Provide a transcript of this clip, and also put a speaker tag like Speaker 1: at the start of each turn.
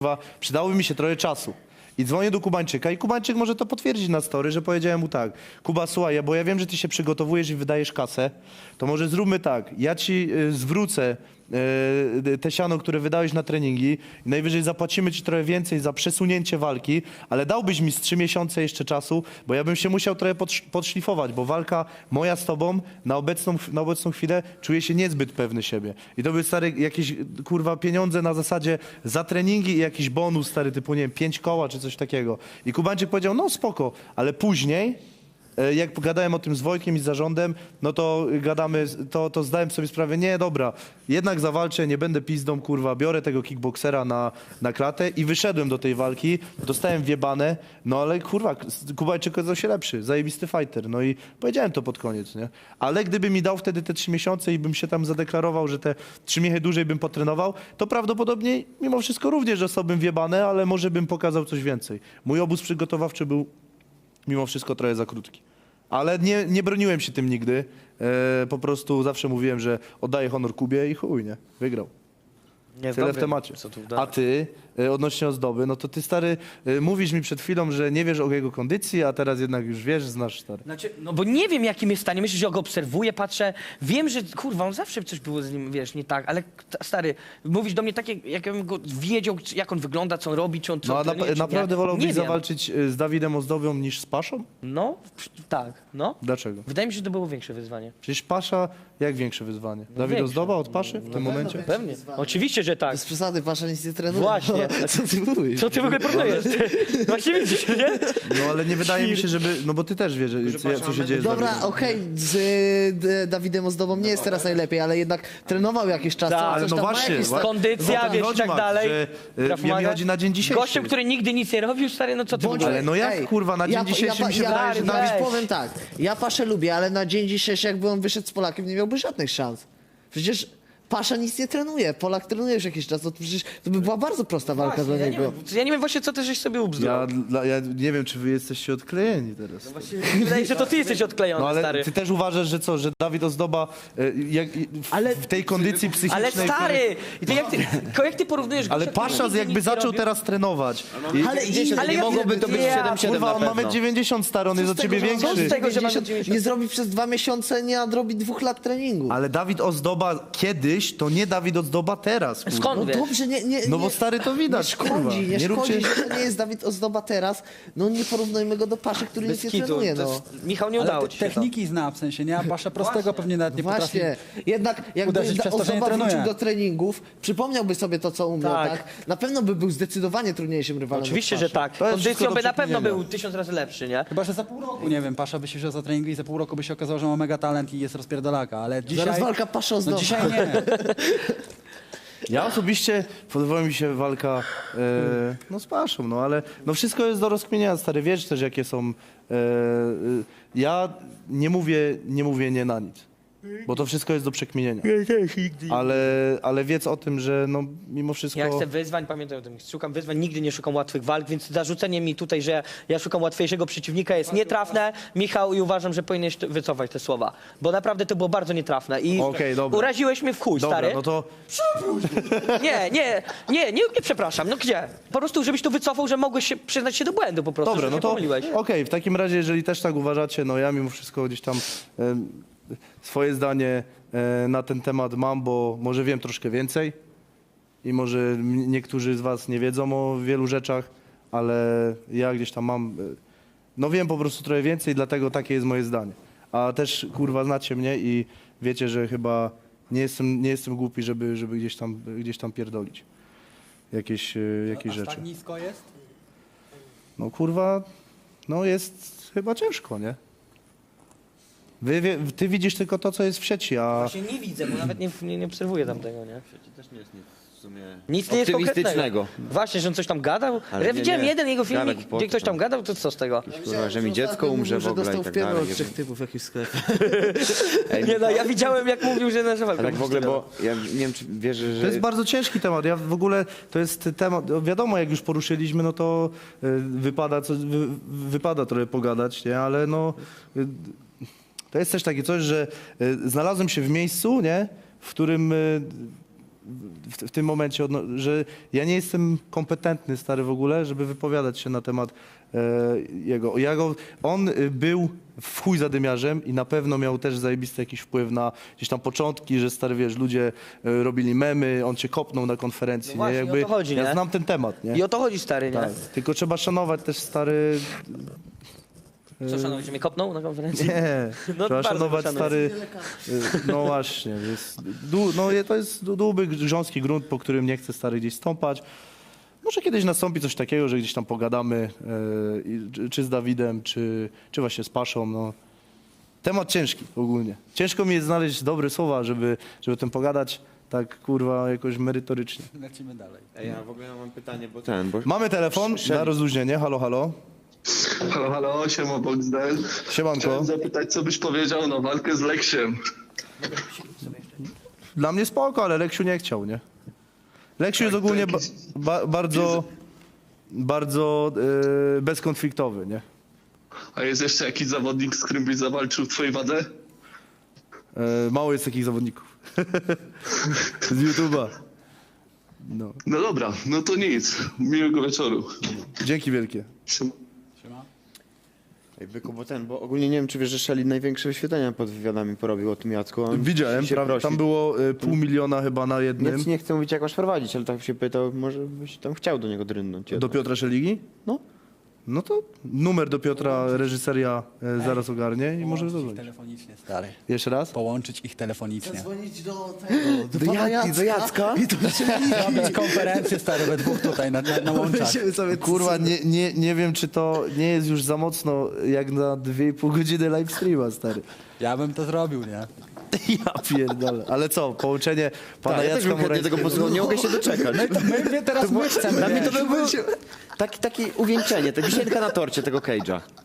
Speaker 1: przydałoby mi się trochę czasu. I dzwonię do Kubańczyka i Kubańczyk może to potwierdzić na story, że powiedziałem mu tak: Kuba, słuchaj, bo ja wiem, że ty się przygotowujesz i wydajesz kasę, to może zróbmy tak, ja ci zwrócę te siano, które wydałeś na treningi i najwyżej zapłacimy ci trochę więcej za przesunięcie walki, ale dałbyś mi z 3 miesiące jeszcze czasu, bo ja bym się musiał trochę podszlifować, bo walka moja z tobą na obecną chwilę czuję się niezbyt pewny siebie. I to by stary jakieś kurwa pieniądze na zasadzie za treningi i jakiś bonus stary typu nie wiem 5 koła czy coś takiego. I Kubańczyk powiedział no spoko, ale później jak gadałem o tym z Wojtkiem i z zarządem, no to gadamy, to zdałem sobie sprawę, nie, dobra, jednak zawalczę, nie będę pizdą, kurwa, biorę tego kickboksera na klatę i wyszedłem do tej walki, dostałem wjebane, no ale kurwa, Kubańczyk okazał się lepszy, zajebisty fighter, no i powiedziałem to pod koniec, nie? Ale gdyby mi dał wtedy te 3 miesiące i bym się tam zadeklarował, że te 3 miechy dłużej bym potrenował, to prawdopodobnie mimo wszystko również dostałbym wjebane, ale może bym pokazał coś więcej. Mój obóz przygotowawczy był mimo wszystko trochę za krótki. Ale nie broniłem się tym nigdy. Po prostu zawsze mówiłem, że oddaję honor Kubie i chuj, nie? Wygrał. Tyle w temacie. A ty, odnośnie ozdoby, no to ty stary, mówisz mi przed chwilą, że nie wiesz o jego kondycji, a teraz jednak już wiesz, znasz stary.
Speaker 2: Znaczy, no bo nie wiem jakim jest stanie, myślę, że ja go obserwuję, patrzę, wiem, że kurwa, on zawsze coś było z nim, wiesz, nie tak, ale stary, mówisz do mnie tak, jakbym go wiedział, jak on wygląda, co on robi, czy on co
Speaker 1: No a
Speaker 2: trenuje, czy
Speaker 1: naprawdę
Speaker 2: nie.
Speaker 1: wolałbyś
Speaker 2: Nie wiem.
Speaker 1: zawalczyć z Dawidem Ozdobą niż z Paszą?
Speaker 2: No, tak, no.
Speaker 1: Dlaczego?
Speaker 2: Wydaje mi się, że to było większe wyzwanie.
Speaker 1: Przecież Pasza, jak większe wyzwanie? Dawid
Speaker 2: większe.
Speaker 1: Ozdoba od Paszy w tym momencie?
Speaker 2: Pewnie, oczywiście, że tak.
Speaker 3: Bez przesady, wasza nic nie trenuje.
Speaker 2: Właśnie.
Speaker 3: No, co ty mówisz?
Speaker 2: Co ty w ogóle proponujesz? Właśnie widzisz, nie?
Speaker 1: No ale nie wydaje mi się, żeby, no bo ty też wiesz, co się dzieje z
Speaker 3: Dobra,
Speaker 1: Dawidem.
Speaker 3: okej, z Dawidem Ozdobą nie jest teraz najlepiej, ale jednak trenował jakiś czas.
Speaker 2: Tak,
Speaker 3: coś
Speaker 1: ale no
Speaker 3: tam ma
Speaker 1: właśnie,
Speaker 3: jakieś
Speaker 1: właśnie.
Speaker 2: Kondycja,
Speaker 1: No to
Speaker 2: wiesz, i
Speaker 1: chodzi,
Speaker 2: tak
Speaker 1: Max,
Speaker 2: dalej.
Speaker 1: że,
Speaker 2: Traf
Speaker 1: mnie
Speaker 2: pomaga.
Speaker 1: chodzi na dzień dzisiejszy.
Speaker 2: Gościem, który nigdy nic nie robił, stary, no co ty w ogóle?
Speaker 1: Ale no jak, kurwa, na dzień dzisiejszy mi się wydaje, że
Speaker 2: Dawid-
Speaker 3: Dawid, powiem tak, ja Paszę lubię, ale na dzień dzisiejszy jakby on wyszedł z Polakiem, nie miałby żadnych szans. Przecież Pasza nic nie trenuje, Polak trenuje już jakiś czas, to przecież to by była bardzo prosta walka dla
Speaker 2: Ja nie,
Speaker 3: niego.
Speaker 2: wiem, ja nie wiem właśnie, co ty żeś sobie ubzdurał.
Speaker 1: Ja nie wiem, czy wy jesteście odklejeni teraz.
Speaker 2: Wydaje się, że to ty jesteś odklejony,
Speaker 1: No ale
Speaker 2: stary.
Speaker 1: ty też uważasz, że co, że Dawid Ozdoba w tej kondycji psychicznej...
Speaker 2: Ale stary! I to jak ty porównujesz
Speaker 1: Ale
Speaker 2: gościa, który
Speaker 1: Pasza
Speaker 2: nigdy
Speaker 1: jakby
Speaker 2: nic nie
Speaker 1: zaczął
Speaker 2: robił?
Speaker 1: teraz trenować.
Speaker 2: Ale
Speaker 4: nie mogłoby to być 7-7
Speaker 1: Kurwa,
Speaker 4: na
Speaker 1: on ma
Speaker 4: pewno.
Speaker 1: 1,90 stary, on jest od ciebie
Speaker 2: co
Speaker 1: większy.
Speaker 2: z tego, że ma
Speaker 3: 90 nie zrobi przez 2 miesiące, nie nadrobi 2 lat treningu.
Speaker 1: Ale Dawid Ozdoba kiedyś, to nie Dawid Ozdoba teraz, kurwa.
Speaker 2: Skąd
Speaker 3: No
Speaker 2: wiesz?
Speaker 3: dobrze,
Speaker 1: No bo stary to widać,
Speaker 3: nie szkodzi,
Speaker 1: kurwa.
Speaker 3: nie szkodzi,
Speaker 1: róbcie-
Speaker 3: że to nie jest Dawid Ozdoba teraz. No nie porównujmy go do Paszy, który
Speaker 2: Bez
Speaker 3: nic nie
Speaker 2: kitu.
Speaker 3: trenuje,
Speaker 2: To
Speaker 3: no.
Speaker 2: jest- Michał, nie
Speaker 5: Ale
Speaker 2: udało ci się to.
Speaker 5: techniki zna, w sensie, nie? A Pasza prostego pewnie nawet nie potrafi.
Speaker 3: Właśnie, jednak jakby
Speaker 5: uderzyć przez to, że nie
Speaker 3: Ozdoba
Speaker 5: trenuje.
Speaker 3: wrócił do treningów, przypomniałby sobie to, co umiał,
Speaker 2: Tak.
Speaker 3: tak? Na pewno by był zdecydowanie trudniejszym rywalem.
Speaker 2: Oczywiście,
Speaker 3: od
Speaker 2: że
Speaker 3: Paszy.
Speaker 2: tak.
Speaker 1: To jest wszystko
Speaker 2: Kondycją
Speaker 1: do
Speaker 2: by na pewno
Speaker 1: przekminienia.
Speaker 2: był 1000 razy lepszy, nie?
Speaker 5: Chyba, że za pół roku, nie wiem, Pasza by się wziął za trening i za pół roku by się okazało, że ma mega talent i jest rozpierdolaka, ale dzisiaj...
Speaker 3: Zaraz walka Pasza
Speaker 5: No
Speaker 3: Ozdoba.
Speaker 5: dzisiaj nie.
Speaker 1: Ja osobiście podoba mi się walka no z Paszą, no ale no wszystko jest do rozkminienia, stary, wiesz też jakie są... ja nie mówię nie na nic, bo to wszystko jest do przekminienia. Ale wiedz o tym, że no mimo wszystko...
Speaker 2: Ja chcę wyzwań, pamiętaj o tym, szukam wyzwań, nigdy nie szukam łatwych walk, więc zarzucenie mi tutaj, że ja szukam łatwiejszego przeciwnika jest nietrafne, Michał, i uważam, że powinieneś wycofać te słowa, bo naprawdę to było bardzo nietrafne i
Speaker 1: Okej, dobra.
Speaker 2: uraziłeś mnie w chuj,
Speaker 1: Dobra,
Speaker 2: stary.
Speaker 1: no to
Speaker 2: Nie przepraszam, no gdzie? Po prostu, żebyś to wycofał, że mogłeś się przyznać się do błędu po prostu,
Speaker 1: dobra,
Speaker 2: że
Speaker 1: no
Speaker 2: się
Speaker 1: to
Speaker 2: pomyliłeś.
Speaker 1: okej, w takim razie, jeżeli też tak uważacie, no ja mimo wszystko gdzieś tam swoje zdanie na ten temat mam, bo może wiem troszkę więcej i może niektórzy z was nie wiedzą o wielu rzeczach, ale ja gdzieś tam mam, no wiem po prostu trochę więcej, dlatego takie jest moje zdanie. A też kurwa znacie mnie i wiecie, że chyba nie jestem głupi, żeby gdzieś tam pierdolić jakieś
Speaker 5: Aż
Speaker 1: rzeczy.
Speaker 5: tak nisko jest?
Speaker 1: No kurwa, no jest chyba ciężko, nie? Ty widzisz tylko to, co jest w sieci, a...
Speaker 2: Właśnie nie widzę, bo nawet nie obserwuję tamtego, nie?
Speaker 4: Też nie jest nic w sumie
Speaker 2: Nic nie jest
Speaker 4: optymistycznego.
Speaker 2: konkretnego. Właśnie, że on coś tam gadał.
Speaker 4: Ale
Speaker 2: Ja
Speaker 4: nie,
Speaker 2: widziałem
Speaker 4: nie.
Speaker 2: jeden jego
Speaker 4: Gadał
Speaker 2: filmik,
Speaker 4: głupoty
Speaker 2: gdzie ktoś tam
Speaker 4: tam.
Speaker 2: gadał, to co z tego?
Speaker 4: Kurwa, że mi dziecko
Speaker 3: Ostatnio
Speaker 4: umrze
Speaker 3: mówił,
Speaker 4: w ogóle
Speaker 3: że
Speaker 4: i
Speaker 3: dostał
Speaker 4: tak
Speaker 3: w pierdol
Speaker 4: dalej.
Speaker 3: od 3 typów w jakimś sklepie.
Speaker 4: Ej,
Speaker 2: Nie no, ja widziałem jak mówił, że nasza walka.
Speaker 4: a tak w ogóle, bo ja nie wiem, czy wierzę, że...
Speaker 1: To jest bardzo ciężki temat. Ja w ogóle, to jest temat, wiadomo, jak już poruszyliśmy, no to wypada trochę pogadać, nie? Ale no, to jest też takie coś, że znalazłem się w miejscu, nie? W którym w tym momencie, że ja nie jestem kompetentny, stary, w ogóle, żeby wypowiadać się na temat jego. On był w chuj zadymiarzem i na pewno miał też zajebisty jakiś wpływ na gdzieś tam początki, że stary, wiesz, ludzie robili memy, on cię kopnął na konferencji.
Speaker 2: No właśnie,
Speaker 1: nie?
Speaker 2: o to chodzi,
Speaker 1: ja
Speaker 2: nie?
Speaker 1: znam ten temat, nie?
Speaker 2: I o to chodzi, stary, nie?
Speaker 1: Tak. Tylko trzeba szanować też, stary...
Speaker 2: Co, szanowni, że mnie kopnął na konferencji?
Speaker 1: Nie,
Speaker 2: No,
Speaker 1: trzeba
Speaker 2: bardzo
Speaker 1: szanować,
Speaker 2: szanuję.
Speaker 1: stary... No właśnie, to jest dłuby, grząski grunt, po którym nie chcę, stary, gdzieś stąpać. Może kiedyś nastąpi coś takiego, że gdzieś tam pogadamy, czy z Dawidem, czy właśnie z Paszą, no. Temat ciężki ogólnie. Ciężko mi jest znaleźć dobre słowa, żeby o tym pogadać tak, kurwa, jakoś merytorycznie.
Speaker 5: Lecimy dalej.
Speaker 4: Ej, ja w ogóle mam pytanie, bo bo...
Speaker 1: Mamy telefon na rozluźnienie, halo, halo.
Speaker 6: Halo, siema Boxdel.
Speaker 1: Siemanko.
Speaker 6: Chciałem zapytać, co byś powiedział na walkę z Leksiem.
Speaker 1: Dla mnie spoko, ale Leksiu nie chciał, nie? Leksiu jest
Speaker 6: Tak,
Speaker 1: ogólnie
Speaker 6: to jakiś-
Speaker 1: bardzo bezkonfliktowy, nie?
Speaker 6: A jest jeszcze jakiś zawodnik, z którym byś zawalczył w twojej wadze?
Speaker 1: Mało jest takich zawodników. Z YouTube'a. No.
Speaker 6: No dobra, no to nic. Miłego wieczoru.
Speaker 1: Dzięki wielkie.
Speaker 6: Siema.
Speaker 4: Ej, Byku, bo ogólnie nie wiem, czy wiesz, że Szeli największe wyświetlenia pod wywiadami porobił o tym Jacku. On
Speaker 1: Widziałem,
Speaker 4: się prosi.
Speaker 1: tam było 500 000 chyba na jednym.
Speaker 4: Nie chcę mówić, jak masz prowadzić, ale tak się pytał, może byś tam chciał do niego drynąć.
Speaker 1: Do Piotra Szeligi?
Speaker 4: No.
Speaker 1: No to numer do Piotra reżyseria zaraz ogarnie i może
Speaker 5: Ich
Speaker 1: zadzwonić.
Speaker 5: telefonicznie, stary.
Speaker 1: Jeszcze raz?
Speaker 5: Połączyć ich telefonicznie.
Speaker 3: Dzwonić do tego, do pana Jacka. I to
Speaker 5: Robić konferencję, stary, we dwóch tutaj na łączach.
Speaker 3: będziemy sobie
Speaker 1: Kurwa, nie wiem, czy to nie jest już za mocno jak na 2,5 godziny live streama, stary.
Speaker 5: Ja bym to zrobił, nie?
Speaker 1: Ja pierdolę. Ale co, połączenie pana
Speaker 4: Tak, ja też
Speaker 1: Jacka
Speaker 4: bym chętnie tego
Speaker 1: Murańskiego...
Speaker 4: posłuchał, nie mogę się doczekać.
Speaker 5: My teraz my chcemy,
Speaker 4: Dla mnie to
Speaker 5: wiesz.
Speaker 4: by było takie uwieńczenie, ta wisienka na torcie tego Cage'a.